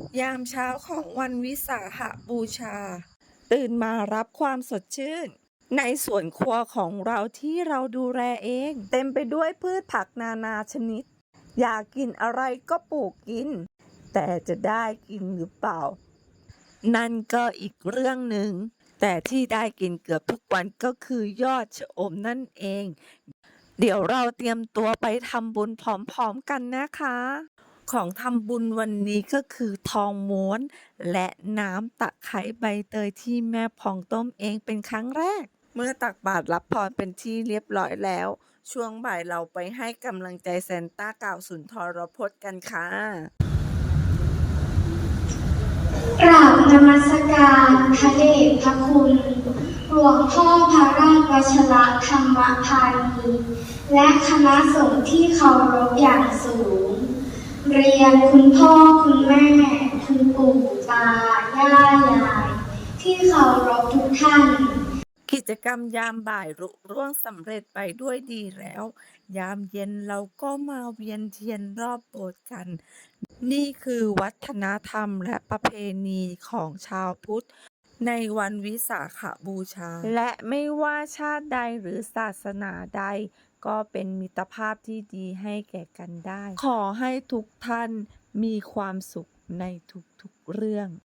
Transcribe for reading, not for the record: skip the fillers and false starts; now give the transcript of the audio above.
ยามเช้าของวันวิสาขบูชาตื่นมารับความสดชื่นในสวนครัวของเราที่เราดูแลเองเต็มไปด้วยพืชผักนานาชนิดอยากกินอะไรก็ปลูกกินแต่จะได้กินหรือเปล่านั่นก็อีกเรื่องหนึ่งแต่ที่ได้กินเกือบทุกวันก็คือยอดชะอมนั่นเองเดี๋ยวเราเตรียมตัวไปทำบุญพร้อมๆกันนะคะของทำบุญวันนี้ก็คือทองม้วนและน้ำตะไคร้ใบเตยที่แม่พองต้มเองเป็นครั้งแรกเมื่อตักบาตรรับพรเป็นที่เรียบร้อยแล้วช่วงบ่ายเราไปให้กำลังใจซานต้ากล่าวสุนทรพจน์กันค่ะกราบนมัสการพระเดชพระคุณหลวงพ่อพระราชวชิรธรรมพานีและคณะสงฆ์ที่เคารพอย่างสูงเรียนคุณพ่อคุณแม่คุณปู่ตาย่ายายที่เคารพทุกท่านกิจกรรมยามบ่ายรุร่วงสำเร็จไปด้วยดีแล้วยามเย็นเราก็มาเวียนเทียนรอบโบสถ์กันนี่คือวัฒนธรรมและประเพณีของชาวพุทธในวันวิสาขบูชาและไม่ว่าชาติใดหรือศาสนาใดก็เป็นมิตรภาพที่ดีให้แก่กันได้ขอให้ทุกท่านมีความสุขในทุกๆเรื่อง